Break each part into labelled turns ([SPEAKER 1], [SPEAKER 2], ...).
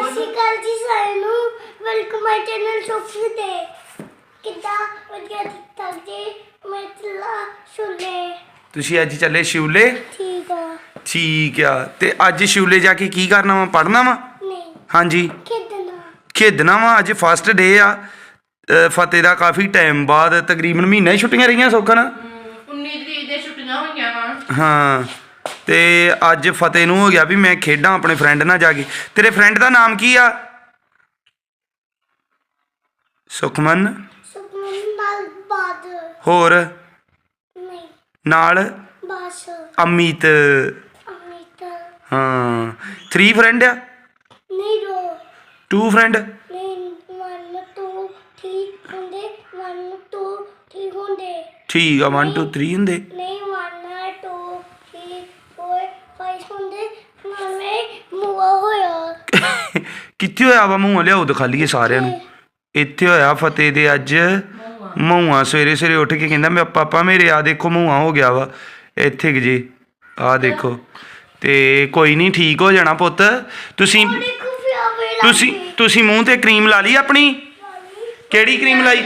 [SPEAKER 1] ਸਤਿ ਸ਼੍ਰੀ ਅਕਾਲ ਜੀ ਸਾਰਿਆਂ ਨੂੰ ਵੈਲਕਮ ਮਾਈ ਚੈਨਲ ਸ਼ੋਪੀ ਤੇ ਕਿੱਦਾਂ ਵਧੀਆ ਠੀਕ-ਠਾਕ ਜੀ ਮੈਂ ਚੱਲਾ ਸ਼ੁਲੇ
[SPEAKER 2] ਤੁਸੀਂ ਅੱਜ ਚੱਲੇ ਸ਼ਿਵਲੇ ਠੀਕ ਆ ਤੇ ਅੱਜ ਸ਼ਿਵਲੇ ਜਾ ਕੇ ਕੀ ਕਰਨਾ ਵਾ ਪੜ੍ਹਨਾ ਵਾ
[SPEAKER 1] ਨਹੀਂ
[SPEAKER 2] ਹਾਂਜੀ
[SPEAKER 1] ਖੇਡਣਾ
[SPEAKER 2] ਵਾ ਅੱਜ ਫਸਟ ਡੇ ਆ ਫਤਿਹ ਦਾ ਕਾਫੀ ਟਾਈਮ ਬਾਅਦ ਤਕਰੀਬਨ ਮਹੀਨਾ ਹੀ ਛੁੱਟੀਆਂ ਰਹੀਆਂ ਸੌਖਾ ਨਾ
[SPEAKER 3] 19 ਤਰੀਕ ਦੇ ਛੁੱਟੀਆਂ ਹੋਈਆਂ ਵਾ
[SPEAKER 2] ਹਾਂ ਤੇ ਅੱਜ ਫਤਿਹ ਨੂੰ ਹੋ ਗਿਆ ਵੀ ਮੈਂ ਖੇਡਾਂ ਆਪਣੇ ਫਰੈਂਡ ਨਾਲ ਜਾ ਕੇ ਤੇਰੇ ਫਰੈਂਡ ਦਾ ਨਾਮ ਕੀ ਆ ਸੁਖਮਨ
[SPEAKER 1] ਨਾਲ ਬਾਦ
[SPEAKER 2] ਹੋਰ
[SPEAKER 1] ਨਹੀਂ
[SPEAKER 2] ਨਾਲ
[SPEAKER 1] ਬਸ
[SPEAKER 2] ਅਮਿਤ
[SPEAKER 1] ਅਮਿਤ
[SPEAKER 2] ਹਾਂ 3 ਫਰੈਂਡ ਆ
[SPEAKER 1] ਨਹੀਂ ਰੋ
[SPEAKER 2] 2 ਫਰੈਂਡ
[SPEAKER 1] ਨਹੀਂ 1 2 3 ਹੁੰਦੇ 1 2 3 ਹੁੰਦੇ
[SPEAKER 2] ਠੀਕ ਆ 1 2 3 ਹੁੰਦੇ
[SPEAKER 1] ਨਹੀਂ 1 2 3 4 5 ਹੁੰਦੇ ਨਾਲੇ ਮੂਆ ਹੋਇਆ
[SPEAKER 2] ਕਿੱਥੇ ਹੋਇਆ ਵਾ ਮੂੰਹ ਲਿਆਓ ਦਿਖਾ ਲਈਏ ਸਾਰਿਆਂ ਨੂੰ ਇੱਥੇ ਹੋਇਆ ਫਤਿਹ ਦੇ ਅੱਜ ਮੂੰਹਾਂ ਸਵੇਰੇ ਸਵੇਰੇ ਉੱਠ ਕੇ ਕਹਿੰਦਾ ਮੈਂ ਪਾਪਾ ਮੇਰੇ ਆ ਦੇਖੋ ਮੂੰਹਾਂ ਹੋ ਗਿਆ ਵਾ ਇੱਥੇ ਕਿ ਜੀ ਆ ਦੇਖੋ ਤੇ ਕੋਈ ਨਹੀਂ ਠੀਕ ਹੋ ਜਾਣਾ ਪੁੱਤ ਤੁਸੀਂ ਤੁਸੀਂ ਮੂੰਹ ਤੇ ਕਰੀਮ ਲਾ ਲਈ ਆਪਣੀ ਕਿਹੜੀ ਕਰੀਮ ਲਾਈ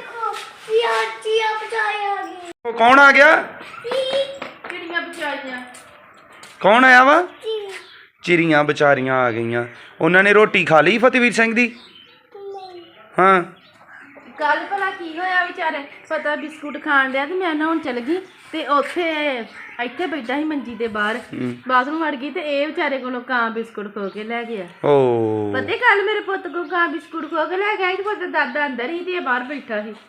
[SPEAKER 2] ਕੌਣ ਆ ਗਿਆ
[SPEAKER 3] ਕਿਹੜੀਆਂ ਵਿਚਾਰੀਆਂ
[SPEAKER 2] ਕੌਣ ਆਇਆ ਵਾ ਚਿੜੀਆਂ ਵਿਚਾਰੀਆਂ ਆ ਗਈਆਂ ਉਹਨਾਂ ਨੇ ਰੋਟੀ ਖਾ ਲਈ ਫਤਿਹਵੀਰ ਸਿੰਘ ਦੀ ਹਾਂ
[SPEAKER 3] ਕੱਲ ਭਲਾ ਕੀ ਹੋਇਆ ਵਿਚਾਰੇ ਪਤਾ ਬਿਸਕੁਟ ਖਾਣ ਡਿਆ ਤੇ ਮੈਂ ਨਾ ਹੁਣ ਚਲ ਗਈ ਤੇ ਉੱਥੇ ਇੱਥੇ ਬੈਠਾ ਸੀ ਮੰਜੀ ਦੇ ਬਾਹਰ ਬਾਥਰੂਮ ਵੜ ਗਈ ਤੇ ਇਹ ਵਿਚਾਰੇ ਕੋਲੋਂ ਕਾਂ ਬਿਸਕੁਟ ਖੋ ਕੇ ਲੈ ਗਿਆ
[SPEAKER 2] ਓ
[SPEAKER 3] ਪਤਾ ਕੱਲ ਮੇਰੇ ਪੁੱਤ ਕੋਲ ਕਾਂ ਬਿਸਕੁਟ ਖੋ ਕੇ ਲੈ ਗਿਆ ਤੇ ਪੁੱਤ ਦਾਦਾ ਅੰਦਰ ਹੀ ਤੇ ਇਹ ਬਾਹਰ ਬੈਠਾ ਸੀ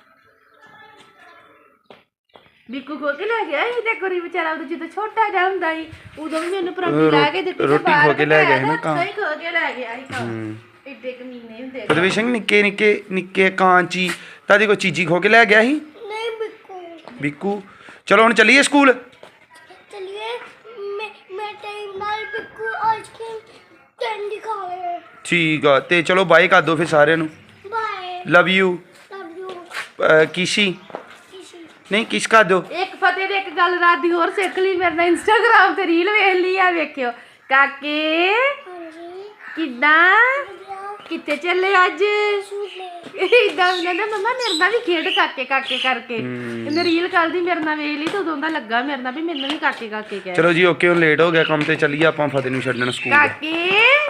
[SPEAKER 3] ਬਿੱਕੂ ਖੋ ਕੇ ਲੈ ਗਿਆ ਸੀ ਤੇ ਕੋਰੀ ਵਿਚਾਰਾ ਉਦੋਂ ਜਦੋਂ ਛੋਟਾ ਜਿਹਾ ਹੁੰਦਾ ਸੀ ਉਦੋਂ ਵੀ ਮੈਨੂੰ ਪਰੌਂਠੀ ਲਾ ਕੇ ਦਿੱਤੀ
[SPEAKER 2] ਰੋਟੀ ਖੋ ਕੇ ਲੈ ਗਿਆ ਸੀ ਨਾ ਕਾਂ
[SPEAKER 3] ਸਹੀ ਖੋ ਕੇ ਲੈ ਗਿਆ ਸੀ ਕਾਂ ਇੱਡੇ ਕਮੀਨੇ ਹੁੰਦੇ
[SPEAKER 2] ਫਤਿਹਵੀਰ ਸਿੰਘ ਨਿੱਕੇ ਕਾਂਚੀ ਤਾਦੀ ਕੋਈ ਚੀਜ਼ੀ ਖੋ ਕੇ ਲੈ ਗਿਆ ਸੀ
[SPEAKER 1] ਨਹੀਂ
[SPEAKER 2] ਬਿੱਕੂ ਚਲੋ ਹੁਣ ਚੱਲੀਏ ਸਕੂਲ
[SPEAKER 1] ਚਲਿਏ ਮੈਂ ਟਾਈਮ ਨਾਲ ਬਿੱਕੂ ਆਈਸਕ੍ਰੀਮ ਕੈਂਡੀ ਖਾ ਲੈ
[SPEAKER 2] ਠੀਕ ਆ ਤੇ ਚਲੋ ਬਾਏ ਕਰ ਦਿਓ ਫਿਰ ਸਾਰਿਆਂ ਨੂੰ
[SPEAKER 1] bye
[SPEAKER 2] love you
[SPEAKER 1] love you
[SPEAKER 2] ਕਿਸ਼ੀ ਨਹੀਂ ਕਿਸ ਕਰ ਦਿਓ
[SPEAKER 3] ਇੱਕ ਫਤਿਹ ਦੇ ਇੱਕ ਗੱਲ ਰਾਤ ਦੀ ਹੋਰ ਸਿੱਖ ਲਈ ਮੇਰੇ ਨਾਲ ਇੰਸਟਾਗ੍ਰਾਮ ਤੇ ਰੀਲ ਵੇਖ ਲਈ ਆ ਵੇਖਿਓ ਕਾਕੇ
[SPEAKER 1] ਹਾਂਜੀ
[SPEAKER 3] ਕਿੱਦਾਂ ਕਿੱਥੇ ਚੱਲੇ ਅੱਜ ਇਦਾਂ ਕਹਿੰਦਾ ਮਮਾ ਮੇਰੇ ਨਾਲ ਵੀ ਖੇਡ ਕਾਕੇ ਕਰਕੇ ਇਹਨੇ ਰੀਲ ਕੱਲ੍ਹ ਦੀ ਮੇਰੇ ਨਾਲ ਵੇਖ ਲਈ ਤੇ ਉਦੋਂ ਦਾ ਲੱਗਾ ਮੇਰੇ ਨਾਲ ਵੀ ਮੈਨੂੰ ਵੀ ਕਾਕੇ ਕਹਿ
[SPEAKER 2] ਚਲੋ ਜੀ ਓਕੇ ਹੁਣ ਲੇਟ ਹੋ ਗਿਆ ਕੰਮ ਤੇ ਚੱਲੀਏ ਆਪਾਂ ਫਤਿਹ ਨੂੰ ਛੱਡਣ ਸਕੂਲ
[SPEAKER 3] ਕਾਕੇ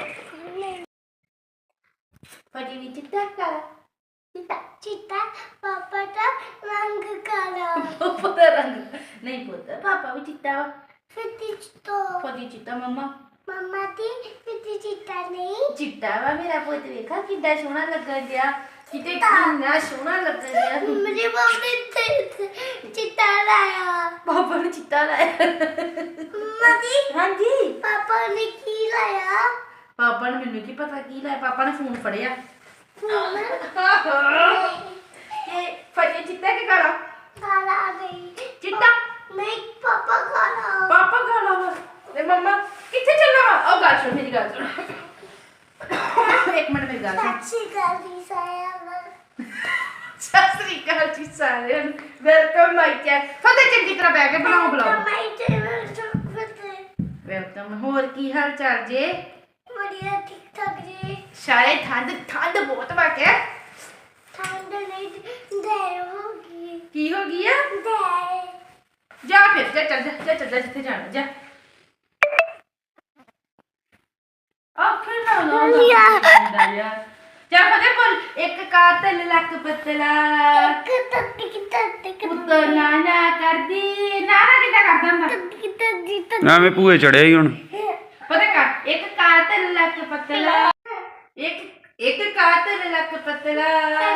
[SPEAKER 3] ਫਤਿਹ ਵੀ ਚਿੱਟਾ ਕਰ
[SPEAKER 1] ਚਿੱਟਾ ਪਾਪਾ ਦਾ ਰੰਗ ਕਾਲਾ
[SPEAKER 3] ਪਾਪਾ ਦਾ ਰੰਗ ਨਹੀਂ ਪੁੱਤ ਪਾਪਾ ਵੀ ਚਿੱਟਾ ਵਾ
[SPEAKER 1] ਫਿੱਟੀ ਚਿੱਟਾ
[SPEAKER 3] ਫਤਿਹ ਚਿੱਟਾ ਮਮਾ
[SPEAKER 1] ਮਮਾ ਦੀ ਫਿੱਟੀ ਚਿੱਟਾ ਨਹੀਂ
[SPEAKER 3] ਚਿੱਟਾ ਵਾ ਮੇਰਾ ਪੁੱਤ ਵੇਖਾ ਕਿੱਦਾਂ ਸੋਹਣਾ ਲੱਗਣ ਡਿਆ ਕਿਤੇ ਕਿੰਨਾ ਸੋਹਣਾ ਲੱਗਣ ਡਿਆ
[SPEAKER 1] ਮੇਰੇ ਬਾਬੇ ਤੇ ਚਿੱਟਾ ਲਾਇਆ
[SPEAKER 3] ਪਾਪਾ ਨੇ ਚਿੱਟਾ ਲਾਇਆ
[SPEAKER 1] ਮਮਾ ਦੀ
[SPEAKER 3] ਹਾਂਜੀ
[SPEAKER 1] ਪਾਪਾ ਨੇ ਕੀ ਲਾਇਆ
[SPEAKER 3] ਪਾਪਾ ਨੇ ਮੈਨੂੰ ਕੀ ਪਤਾ ਕੀ ਲਾਇਆ ਪਾਪਾ ਨੇ ਫੋਨ ਫੜਿਆ ਇਹ ਫੜਿਆ ਚਿੱਟਾ ਕਿ ਕਾਲਾ
[SPEAKER 1] ਕਾਲਾ ਨਹੀਂ
[SPEAKER 3] ਚਿੱਟਾ
[SPEAKER 1] ਨਹੀਂ ਪਾਪਾ ਕਾਲਾ
[SPEAKER 3] ਪਾਪਾ ਕਾਲਾ ਵਾ ਤੇ ਮੰਮਾ ਕਿੱਥੇ ਚੱਲਣਾ ਵਾ ਉਹ ਗੱਲ ਸੁਣ ਮੇਰੀ ਗੱਲ ਸੁਣ ਇੱਕ ਮਿੰਟ ਮੇਰੀ ਗੱਲ ਸੁਣ
[SPEAKER 1] ਸੱਚੀ ਗੱਲ ਦੀ ਸਾਇਆ
[SPEAKER 3] ਸਤਿ ਸ੍ਰੀ ਅਕਾਲ ਜੀ ਸਾਰਿਆਂ ਨੂੰ ਵੈਲਕਮ ਮਾਈ ਚੈਨਲ ਫਤਿਹ ਚੰਗੀ ਤਰ੍ਹਾਂ ਬਹਿ ਕੇ ਬਣਾਓ ਬਲੌਗ
[SPEAKER 1] ਮਾਈ ਚੈਨਲ ਸੁਣਦੇ
[SPEAKER 3] ਵੈਲਕਮ ਹੋਰ ਕੀ ਹਾਲ ਚਾਲ ਜੇ
[SPEAKER 1] ਵਧੀਆ ਠੀਕ ਠਾਕ ਜੀ
[SPEAKER 3] ਸਾਰੇ ਠੰਡ ਬਹੁਤ ਵਾ ਕੇ
[SPEAKER 1] ਠੰਡ ਨਹੀਂ ਦੇ ਹੋ ਗਈ
[SPEAKER 3] ਕੀ ਹੋ ਗਈ ਆ
[SPEAKER 1] ਦੇ
[SPEAKER 3] ਜਾ ਫਿਰ ਚੱਲ ਜਾ ਜਿੱਥੇ ਜਾਣਾ ਜਾ ਆ ਫਿਰ ਨਾ ਜਾ ਫਤਿਹ ਬੋਲ ਇੱਕ ਕਾਤਲ ਲੱਕ ਪਤਲਾ ਪੁੱਤਰ ਨਾਨਾ ਕਰਦੀ ਨਾਨਾ ਕਿੱਦਾਂ ਕਰਦਾ ਹੁੰਦਾ
[SPEAKER 2] ਐਵੇਂ ਭੂਏ ਚੜਿਆ ਹੀ ਹੁਣ
[SPEAKER 3] ਪਤਾ ਕਰ ਇੱਕ ਕਾਤਲ ਲੱਕ ਪਤਲਾ ਇੱਕ ਕਾਤਲ ਲੱਕ ਪਤਲਾ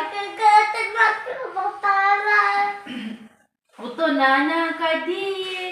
[SPEAKER 3] ਪੁੱਤਰ ਨਾਨਾ ਕਰਦੀ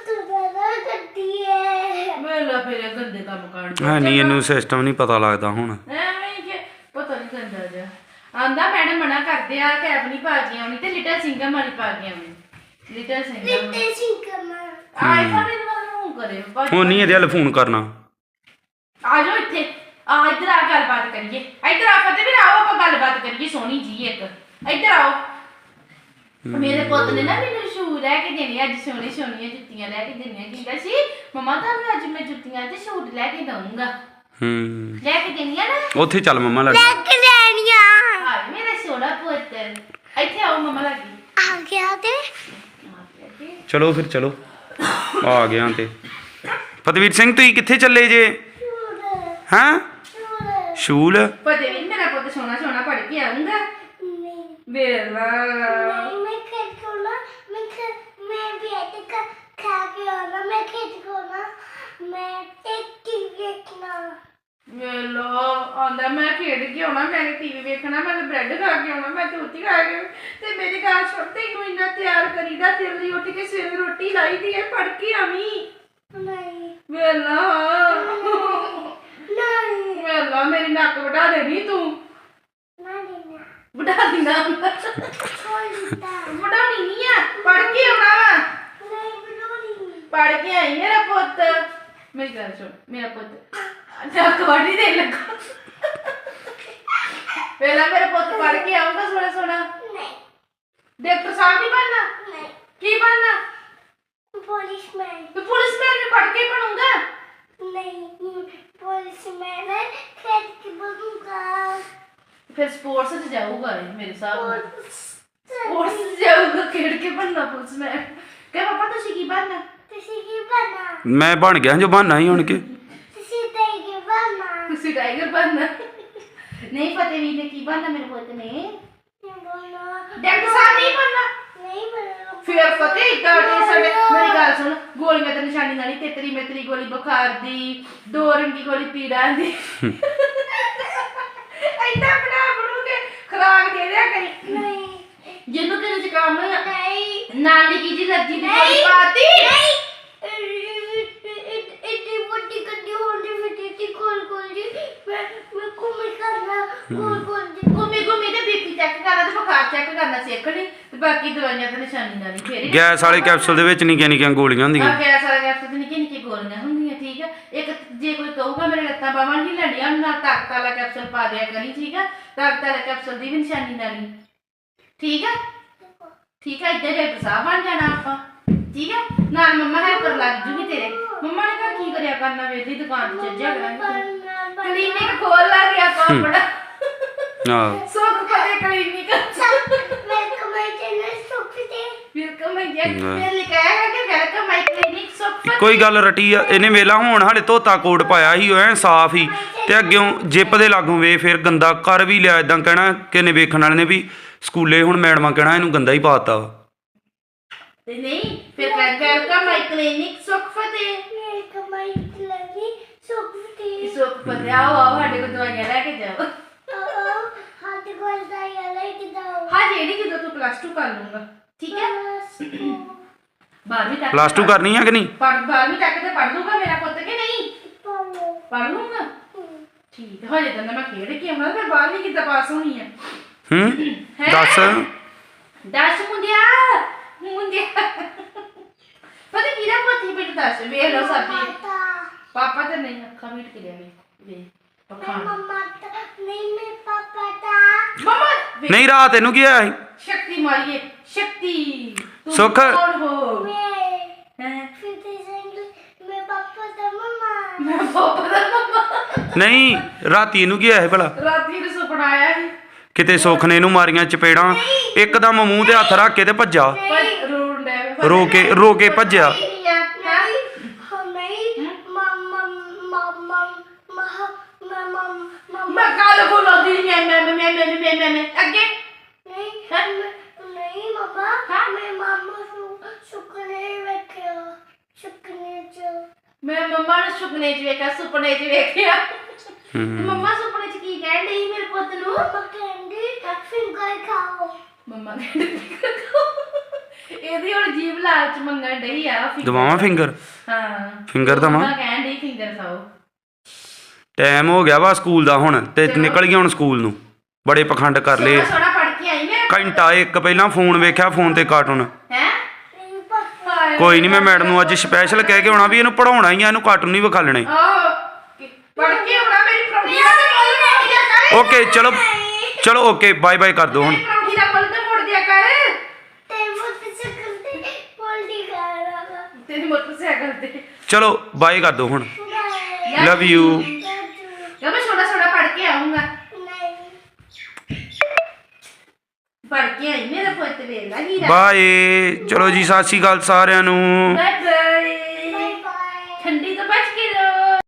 [SPEAKER 3] ਮੇਲਾ ਫਿਰ ਗੰਦੇ ਕੰਮ ਕਰਨ
[SPEAKER 2] ਹਾਂ ਨਹੀਂ ਇਹਨੂੰ ਸਿਸਟਮ ਨਹੀਂ ਪਤਾ ਲੱਗਦਾ ਹੁਣ
[SPEAKER 3] ਐਵੇਂ ਕਿ ਪਤਾ ਨਹੀਂ ਕਰਦਾ ਜਾ ਆਂਦਾ ਮੈਡਮ ਮਨਾ ਕਰਦੇ ਆ ਕੈਪ ਨਹੀਂ ਪਾ ਕੇ ਆਉਣੀ ਤੇ ਲਿਟਲ ਸਿੰਘਮ ਵਾਲੀ ਪਾ ਕੇ ਆਉਣੀ ਲਿਟਲ ਸਿੰਘਮ ਆਈਫੋਨ ਇਹਦੇ ਵੱਲ ਨੂੰ ਕਰੇ
[SPEAKER 2] ਹੁਣ ਨਹੀਂ ਇਹਦੇ ਵੱਲ ਫੋਨ ਕਰਨਾ
[SPEAKER 3] ਆ ਜਾਓ ਇੱਥੇ ਆ ਇੱਧਰ ਆ ਗੱਲਬਾਤ ਕਰੀਏ ਇੱਧਰ ਆ ਫਤਿਹ ਵੀਰ ਆਓ ਆਪਾਂ ਗੱਲਬਾਤ ਕਰੀਏ ਸੋਹਣੀ ਜੀ ਇੱਕ ਇੱਧਰ ਆਓ ਮੇਰੇ ਪੁੱਤ ਨੇ ਨਾ ਮੈਨੂੰ ਸ਼ੂ ਲੈ ਕੇ ਦੇਣੇ ਅੱਜ ਸੋਹਣੀਆਂ ਜੁੱਤੀਆਂ ਲੈ ਕੇ ਦੇਣੀਆਂ ਕਹਿੰਦਾ ਸੀ ਮਮਾ ਤੁਹਾਨੂੰ ਅੱਜ ਮੈਂ ਜੁੱਤੀਆਂ ਤੇ ਸ਼ੂਟ ਲੈ ਕੇ ਦਊਂਗਾ
[SPEAKER 2] ਹੂੰ
[SPEAKER 3] ਲੈ ਕੇ ਦੇਣੀਆਂ ਨਾ
[SPEAKER 2] ਉੱਥੇ ਚੱਲ ਮੰਮਾ ਲੱਗ
[SPEAKER 1] ਲੱਗ ਲੈਣੀਆਂ
[SPEAKER 3] ਹਾਏ ਮੇਰਾ ਸੋਹਣਾ ਪੁੱਤ ਇੱਥੇ ਆਓ ਮਮਾ ਲੱਗੀ
[SPEAKER 1] ਆ ਗਿਆ ਤੇ
[SPEAKER 2] ਚਲੋ ਫਿਰ ਚਲੋ ਆ ਗਿਆ ਤੇ ਫਤਿਹਵੀਰ ਸਿੰਘ ਤੁਸੀਂ ਕਿੱਥੇ ਚੱਲੇ ਜੇ ਹਾਂ ਸ਼ੂਲ
[SPEAKER 3] ਪਤੇ ਵੀ ਮੇਰਾ ਪੁੱਤ ਸੋਹਣਾ ਪੜ ਕੇ ਆਉਂਗਾ
[SPEAKER 1] ਨਹੀਂ
[SPEAKER 3] ਵੇਲਾ
[SPEAKER 1] मैं खेत को ना मैं भी ऐसे खा के आना मैं खेत को ना मैं टेक्की देखना
[SPEAKER 3] ਵੇਲੋ ਆਂਦਾ ਮੈਂ ਖੇਡ ਕੇ ਆਉਣਾ ਮੈਂ ਟੀਵੀ ਵੇਖਣਾ ਮੈਂ ਬ੍ਰੈਡ ਖਾ ਕੇ ਆਉਣਾ ਮੈਂ ਰੋਟੀ ਖਾ ਕੇ ਤੇ ਮੇਰੀ ਗੱਲ ਛੋਟੇ ਨੂੰ ਇੰਨਾ ਤਿਆਰ ਕਰੀਦਾ ਜਲਦੀ ਉੱਠ ਕੇ ਸਵੇਰੇ ਰੋਟੀ ਲਾਈਦੀ ਹੈ ਪੜ ਕੇ ਆਵੀਂ
[SPEAKER 1] नहीं
[SPEAKER 3] ਵੇਲਾ
[SPEAKER 1] नहीं
[SPEAKER 3] ਵੇਲਾ ਮੇਰੀ ਨੱਕ ਵਢਾ ਦੇਣੀ ਤੂੰ
[SPEAKER 1] नहीं
[SPEAKER 3] ਵਢਾ ਦਿੰਦਾ
[SPEAKER 1] छोड़ता
[SPEAKER 3] ਵਢਾਉਣੀ ਨਹੀਂ ਆ ਪੜ ਕੇ ਆਉਣਾ ਵਾ
[SPEAKER 1] नहीं बनानी
[SPEAKER 3] ਪੜ ਕੇ ਆਈ ਮੇਰਾ ਪੁੱਤ ਮੇਰੀ ਗੱਲ ਸੁਣ ਮੇਰਾ ਪੁੱਤ ਨੱਕ ਵਢੀ ਦੇ ਲੱਗਾ ਵੇਲਾ ਮੇਰਾ ਪੁੱਤ ਪੜ ਕੇ ਆਉਂਗਾ ਸੋਹਣਾ
[SPEAKER 1] नहीं
[SPEAKER 3] ਡਾਕਟਰ ਸਾਹਿਬ ਨਹੀਂ ਬਣਨਾ
[SPEAKER 1] नहीं
[SPEAKER 3] ਕੀ ਬਣਨਾ
[SPEAKER 1] पुलिसमैन
[SPEAKER 3] ਤੇ ਪੁਲਿਸਮੈਨ में पढ़ के बनूंगा
[SPEAKER 1] नहीं पुलिसमैन है खेत की बनूंगा
[SPEAKER 3] फिर स्पोर्ट्स से जाऊंगा मेरे साथ
[SPEAKER 1] और
[SPEAKER 3] स्पोर्ट्स से जाऊंगा खेल के बनना पुलिसमैन क्या पापा तुसी की बनना
[SPEAKER 1] किसी की बना
[SPEAKER 2] ਮੈਂ ਬਣ ਗਿਆ ਜੋ ਬਹਾਨਾ ਹੀ ਹੁਣ ਕੇ
[SPEAKER 1] किसी की बना
[SPEAKER 3] तुसी टाइगर बनना नहीं फतेहवीर ने की बनना मेरे पुत ने डॉक्टर साहब नहीं बनना
[SPEAKER 1] नहीं बना
[SPEAKER 3] फिर फतेह इतना साडे मेरी गल सुन गोलियां ते निशानी नाली तेतरी मेतरी गोली बुखार दी दो रंगी गोली पीड़ा दी ऐसा बना बनू के खुराक दे दिया करी
[SPEAKER 1] नहीं
[SPEAKER 3] जिन्नू तेरे जुकाम होया
[SPEAKER 1] नहीं
[SPEAKER 3] नाली की जी लज्जी दी गोली पाती
[SPEAKER 1] इतनी बड़ी गड्डी होने में थी गोल जी मैं घूम करना गोल जी
[SPEAKER 3] घूमी घूमी ते बीपी चेक करना ते बुखार चेक करना सीखनी ते बाकी दवाइयां ते निशानी नाली फेर
[SPEAKER 2] ਗੈਸ ਵਾਲੇ ਕੈਪਸੂਲ ਦੇ ਵਿੱਚ ਨਿੱਕੀਆਂ ਨਿੱਕੀਆਂ ਗੋਲੀਆਂ ਹੁੰਦੀਆਂ
[SPEAKER 3] ਗੈਸ ਵਾਲਾ ਕੈਪਸੂਲ ਤੇ ਨਿੱਕੀ ਨਿੱਕੀ ਗੋਲੀਆਂ ਹੁੰਦੀਆਂ ਠੀਕ ਆ ਇੱਕ ਜੇ ਕੋਈ ਕਹੂਗਾ ਮੇਰੇ ਲੱਤਾਂ ਬਾਹਾਂ ਨਹੀਂ ਲੜੀਆਂ ਨਾ ਤਾਕਤ ਵਾਲਾ ਕੈਪਸੂਲ ਪਾ ਦਿਆ ਕਰੀ ਠੀਕ ਆ ਤਾਕਤ ਵਾਲਾ ਕੈਪਸੂਲ ਦੀ ਵੀ ਨਿਸ਼ਾਨੀ ਨਾਲੀ ਠੀਕ ਆ ਇੱਦਾਂ ਡਾਕਟਰ ਸਾਹਿਬ ਬਣ ਜਾਣਾ ਆਪਾਂ ਠੀਕ ਆ ਨਾਲ ਮੰਮਾ ਹੈਲਪ ਕਰ ਲੱਗ ਜੂਗੀ ਤੇਰੇ ਮੰਮਾ ਨੇ ਘਰ ਕੀ ਕਰਿਆ ਕਰਨਾ ਵੇਦੀ ਦੁਕਾਨ ਤੇ ਚੱਜਿਆ ਕਰਾਂਗੇ ਕਲੀਨਿਕ ਖੋਲ ਲਾ ਗਿਆ ਆਪਾਂ ਬੜਾ
[SPEAKER 2] ਹਾਂ
[SPEAKER 3] ਸੁੱਖ ਪਤੇ ਕਲੀਨਿਕ
[SPEAKER 1] वेलकम माय चैनल सुखते
[SPEAKER 3] ਵੈਲਕਮ ਮੈਂ ਲਿਖਾਇਆ ਹੈ ਕਿ ਵੈਲਕਮ ਮਾਈ ਕਲੀਨਿਕ ਸੁੱਖ
[SPEAKER 2] ਕੋਈ ਗੱਲ ਰਟੀ ਆ ਇਹਨੇ ਵੇਲਾ ਹੁਣ ਹਾਲੇ ਧੋਤਾ ਕੋਟ ਪਾਇਆ ਸੀ ਐ ਸਾਫ ਹੀ ਤੇ ਅੱਗਿਓਂ ਜਿੱਪ ਦੇ ਲਾਗੋਂ ਵੇ ਫਿਰ ਗੰਦਾ ਕਰ ਵੀ ਲਿਆ ਇਦਾਂ ਕਹਿਣਾ ਕਿਨੇ ਵੇਖਣ ਵਾਲੇ ਨੇ ਵੀ ਸਕੂਲੇ ਹੁਣ ਮੈਡਮਾਂ ਕਹਿਣਾ ਇਹਨੂੰ ਗੰਦਾ ਹੀ ਪਾਤਾ ਵਾ
[SPEAKER 3] ਤੇ ਨਹੀਂ ਫਿਰ welcome my clinic Sukh Fateh
[SPEAKER 1] welcome my clinic सुखते
[SPEAKER 3] ਸੁੱਖ ਫਤੇ ਆਓ ਸਾਡੇ ਕੋਲ ਦਵਾਈਆਂ ਲੈ ਕੇ ਜਾਓ
[SPEAKER 1] हाथ गोल दाया लेके जाओ
[SPEAKER 3] ਹਾਂ ਜਿਹੜੀ ਜਦੋਂ ਤੂੰ ਪਲੱਸ 2 ਕਰ ਲੂੰਗਾ ਠੀਕ ਹੈ 12ਵੀਂ ਤੱਕ
[SPEAKER 2] ਪਲੱਸ 2 ਕਰਨੀ ਆ ਕਿ ਨਹੀਂ
[SPEAKER 3] 12ਵੀਂ ਤੱਕ ਤੇ ਪੜ ਲੂੰਗਾ ਮੇਰਾ ਪੁੱਤ ਕਿ ਨਹੀਂ
[SPEAKER 1] पालो
[SPEAKER 3] ਪੜ ਲੂੰਗਾ ਠੀਕ ਹੈ ਹਜੇ ਤਾਂ ਮੈਂ ਖੇਡ ਕੇ ਆਉਣਾ ਫਿਰ 12ਵੀਂ ਕਿੱਦਾਂ ਪਾਸ ਹੋਣੀ ਹੈ
[SPEAKER 2] ਹੂੰ ਦੱਸ
[SPEAKER 3] ਦੱਸ ਮੁੰਡਿਆ ਪਤਾ ਕਿਹਦਾ ਪੋਤੀ ਬੇਟ ਦੱਸ ਵੇਖ ਲੋ ਸਾਬੀ ਪਾਪਾ ਤੇ ਨਹੀਂ ਅੱਖਾਂ ਮੀਟ ਕੇ ਲਿਆ ਵੇ ਪਖਾਣ
[SPEAKER 1] मम्मा नहीं मैं पापा था
[SPEAKER 3] ਮਮਾ
[SPEAKER 2] ਨਹੀਂ ਰਾਤ ਇਹਨੂੰ ਕੀ ਹੋਇਆ ਸੀ
[SPEAKER 3] ਸ਼ਕਤੀ ਮਾਰੀਏ ਸ਼ਕਤੀ ਤੂੰ
[SPEAKER 2] ਸੁੱਖ।
[SPEAKER 3] ਕੌਣ ਹੋ
[SPEAKER 1] मैं
[SPEAKER 3] ਹੈਂ?
[SPEAKER 1] फिर मैं पापा था मम्मा
[SPEAKER 3] ਮੈਂ ਪਾਪਾ ਦਾ ਮਮਾ
[SPEAKER 2] ਨਹੀਂ ਰਾਤੀ ਇਹਨੂੰ ਕੀ ਹੋਇਆ ਸੀ ਭਲਾ
[SPEAKER 3] ਰਾਤੀ ਨੂੰ ਸੁਪਨਾ ਆਇਆ ਸੀ
[SPEAKER 2] ਕਿਤੇ ਸੁੱਖ ਨੇ ਇਹਨੂੰ ਮਾਰੀਆਂ ਚਪੇੜਾਂ ਇੱਕਦਮ ਮੂੰਹ ਤੇ ਹੱਥ ਰੱਖ ਕੇ ਤੇ ਭੱਜਾ
[SPEAKER 3] ਪਰ ਰੋਣ ਡੈ
[SPEAKER 2] ਰੋ ਕੇ ਭੱਜਿਆ
[SPEAKER 1] नहीं हम नहीं मम्मा मम्मा मम्मा
[SPEAKER 3] ਮੈਂ ਕੱਲ ਬੋਲਦੀ ਮੈਂ ਅੱਗੇ
[SPEAKER 1] नहीं
[SPEAKER 3] हाँ?
[SPEAKER 1] नहीं पापा
[SPEAKER 3] हाँ?
[SPEAKER 1] मैं मामा सुकने रखे सुकने जो
[SPEAKER 3] ਮੈਂ ਮੰਮਾ ਨੂੰ ਸੁਪਨੇ 'ਚ ਵੇਖਿਆ ਸੁਪਨੇ 'ਚ ਵੇਖਿਆ
[SPEAKER 2] ਹੂੰ
[SPEAKER 3] ਮੰਮਾ ਸੁਪਨੇ 'ਚ ਕੀ ਕਹਿਣ ਡਈ ਮੇਰੇ ਪੁੱਤ ਨੂੰ
[SPEAKER 1] पापा कहंगे फिंगर खाओ
[SPEAKER 3] ਮੰਮਾ ਕਹਿੰਦੀ ਇਹਦੀ ਹੁਣ ਜੀਭ ਲਾਲਚ ਮੰਗਣ ਡਈ ਆ ਫਿੰਗਰ।
[SPEAKER 2] ਦਵਾਵਾਂ ਫਿੰਗਰ
[SPEAKER 3] ਹਾਂ
[SPEAKER 2] ਫਿੰਗਰ ਦਵਾਂ
[SPEAKER 3] ਮੰਮਾ ਕਹਿਣ ਡਈ ਫਿੰਗਰ ਖਾਓ
[SPEAKER 2] ਟਾਈਮ ਹੋ ਗਿਆ ਵਾ ਸਕੂਲ ਦਾ ਹੁਣ ਤੇ ਨਿਕਲ ਗਿਆ ਹੁਣ ਸਕੂਲ ਨੂੰ ਬੜੇ ਪਖੰਡ ਕਰ ਲਏ
[SPEAKER 3] ਸੋਹਣਾ ਪੜ ਕੇ ਆਈ ਮੈਂ
[SPEAKER 2] ਘੰਟਾ ਇੱਕ ਪਹਿਲਾਂ ਫੋਨ ਵੇਖਿਆ ਫੋਨ ਤੇ ਕਾਰਟੂਨ
[SPEAKER 3] ਹੈ
[SPEAKER 1] नहीं पापा
[SPEAKER 2] ਕੋਈ ਨਹੀਂ ਮੈਂ ਮੈਡਮ ਨੂੰ ਅੱਜ ਸਪੈਸ਼ਲ ਕਹਿ ਕੇ ਆਉਣਾ ਵੀ ਇਹਨੂੰ ਪੜਾਉਣਾ ਹੀ ਆ ਇਹਨੂੰ ਕਾਰਟੂਨ ਨਹੀਂ ਵਿਖਾਲਣੇ
[SPEAKER 3] ਪੜ ਕੇ ਆਉਣਾ ਮੇਰੀ ਪ੍ਰੋਫੀ ਦਾ ਮੁੱਲ ਮੋੜ ਦਿਆ ਕਰ
[SPEAKER 2] ਓਕੇ ਚਲੋ ਓਕੇ ਬਾਏ ਬਾਏ ਕਰ ਦਿਓ ਹੁਣ
[SPEAKER 3] ਮੇਰੀ ਪ੍ਰੋਫੀ ਦਾ ਮੁੱਲ ਤੇ ਮੋੜ ਦਿਆ ਕਰ
[SPEAKER 1] ते मोटरसाइकिल पे पलटी कर रहा
[SPEAKER 3] ਤੇਰੀ ਮੋਟਰਸਾਈਕਲ ਤੇ
[SPEAKER 2] ਚਲੋ ਬਾਏ ਕਰ ਦਿਓ ਹੁਣ
[SPEAKER 1] था
[SPEAKER 2] ਲਵ ਯੂ
[SPEAKER 1] Love you.
[SPEAKER 3] ਫੜ ਕੇ ਆਈ ਮੇਰਾ ਪੁੱਤ ਵੇਲਾ ਹੀਰਾ
[SPEAKER 2] ਬਾਏ ਚਲੋ ਜੀ ਸਤਿ ਸ਼੍ਰੀ ਅਕਾਲ ਸਾਰਿਆਂ ਨੂੰ
[SPEAKER 3] ਬਾਏ ਬਾਏ
[SPEAKER 1] ਬਾਏ ਬਾਏ
[SPEAKER 3] ਠੰਡੀ ਤੋਂ ਬਚ ਕੇ ਰਹੋ